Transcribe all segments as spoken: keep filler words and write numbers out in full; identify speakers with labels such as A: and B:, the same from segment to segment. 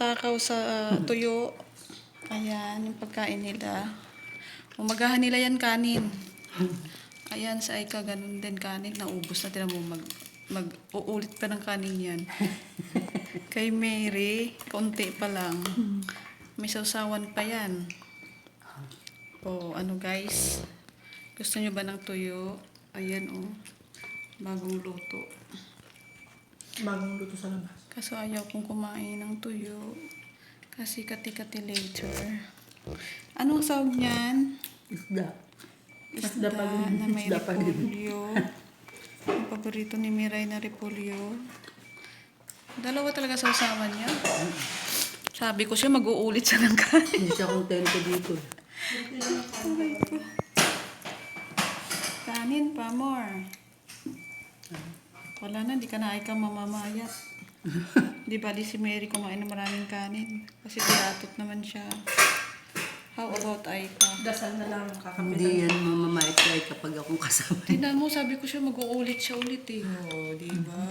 A: matakaw sa uh, tuyo. Ayan, yung pagkain nila. Umagahan nila yan kanin. Ayan, sa Aika, ganun din kanin. Naubos na, tinan mo, mag, mag-uulit pa ng kanin yan. Kay Mary, konti pa lang. May sausawan pa yan. O, ano guys? Gusto nyo ba ng tuyo? Ayan, oh. Bagong luto.
B: Bagong luto sa labas.
A: Kaso ayaw kong kumain ng tuyo. Kasi kati-kati later. Anong sawag niyan?
B: Isda.
A: Isda,
B: Isda pa din.
A: na may
B: Isda pa din.
A: repolyo. Ang paborito ni Miray na repolyo. Dalawa talaga sa usawan niya. Sabi ko siya, mag-uulit siya ng kanin.
B: Hindi siya kontento dito.
A: Kanin pa, more. Wala na, di ka na ay ka mamamayat. Di ba, di si Mary kumain ng maraming kanin. Kasi tiyatot naman siya. How about Aika?
B: Dasal na lang kakapitan.
C: Hindi yan mamamait kay kapag akong kasama.
A: Tingnan mo, sabi ko siya, mag-uulit siya ulit eh. Oo, di ba?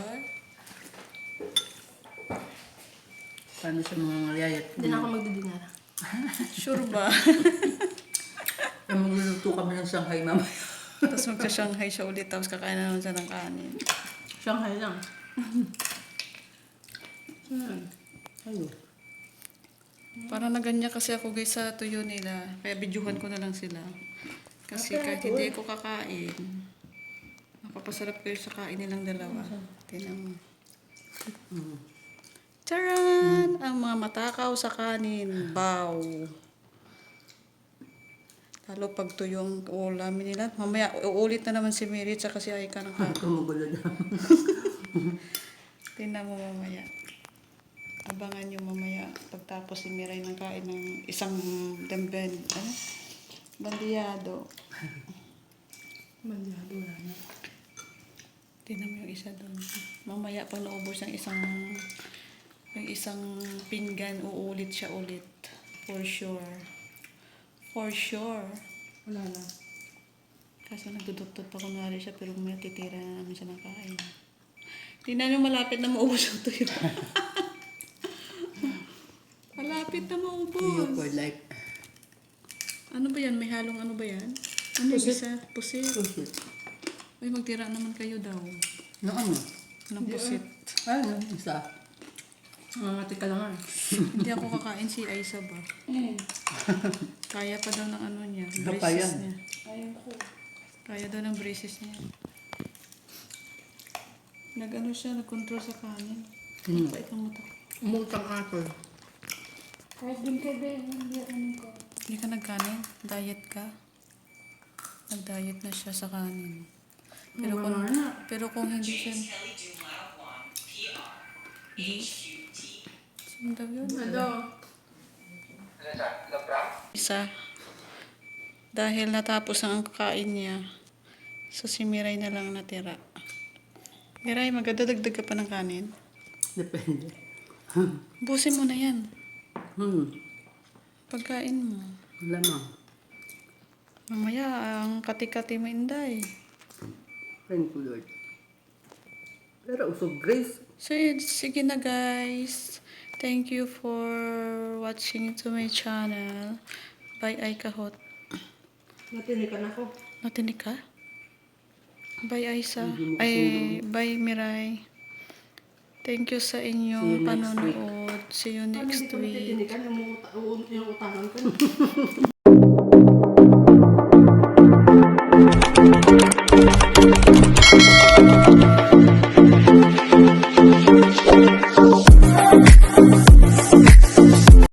C: Paano sa mga ngalayat?
B: Hindi na ako magdidinar.
A: Sure ba?
C: Ay, magluluto kami ng Shanghai mamaya.
A: Tapos magsa-Shanghai siya ulit, tapos kakain na naman siya ng kanin.
B: Shanghai lang.
C: Hmm. Ayun.
A: Parang naganya kasi ako guys sa tuyo nila. Kaya bidyuhan ko na lang sila. Kasi kahit hindi ko kakain, mapapasarap kayo sa kain nilang dalawa. Tingnan mo.
C: Hmm.
A: Charan! Ang mga matakaw sa kanin. Bow! Lalo pag tuyo ang ulamin nila. Mamaya, uulit na naman si Mary at si Aika ng kanin.
C: Tumugulo na.
A: Tingnan mo mamaya. Abangan nyo mamaya pagtapos si Miray ng kain ng isang damben. Ano? Bandiyado.
B: Mandyado wala na.
A: Tingnan mo yung isa doon. Mamaya pag naubos yung isang yung isang pinggan, uulit siya ulit. For sure. For sure.
B: Wala na.
A: Kaso nagduduktot pa kunwari siya pero may titira na namin siya ng kain. Tingnan nyo malapit na maubos yung tuyo. Malapit na
C: Tuyo
A: maubos.
C: for life.
A: Ano ba yan? May halong ano ba yan? Ano yung
B: Pusit.
A: isa? Pusit.
C: Pusit.
A: Uy, magtira naman kayo daw.
C: No, ano?
A: Ng pusit.
C: Ano? Isa.
B: Mamati ka lang ah.
A: Hindi ako kakain si Aisa ba? Kaya pa daw ng ano niya.
C: Kapayan.
A: Braces niya.
B: Ayun ko.
A: Kaya daw ng braces niya. Nag-ano siya, nag-control sa kanin.
C: Hmm.
A: Pait ang mata ko.
B: Umutang apple.
D: Kahit din kayo ba yung ano ko?
A: Hindi ka nagkanin? Diet ka? Nag-diet na siya sa kanin. Pero kung,
B: Wala na.
A: pero kung hindi siya... Di? Saan daw yun?
B: Hello.
A: Isa. Dahil natapos ang kakain niya, so si Miray na lang natira. Miray, magdadagdag ka pa ng kanin?
C: Depende.
A: Busin mo na yan.
C: Hmm.
A: Pagkain mo.
C: Lamang.
A: Mamaya, ang kati-kati mo inday.
C: Thank you, Lord. Pero usog grace.
A: So, yun, sige na guys. Thank you for watching to my channel. Bye, Aika Hot.
B: Natinikan ako.
A: Natinig ka? Bye, Aisa.
C: Hindi mo
A: Ay,
C: kasi
A: bye, Miray. Thank you sa
C: See you
A: inyong
C: next
A: panonood. See you
B: Paano
A: next
B: hindi ko
A: week.
B: natitinikan yung, uta- yung utangan ko?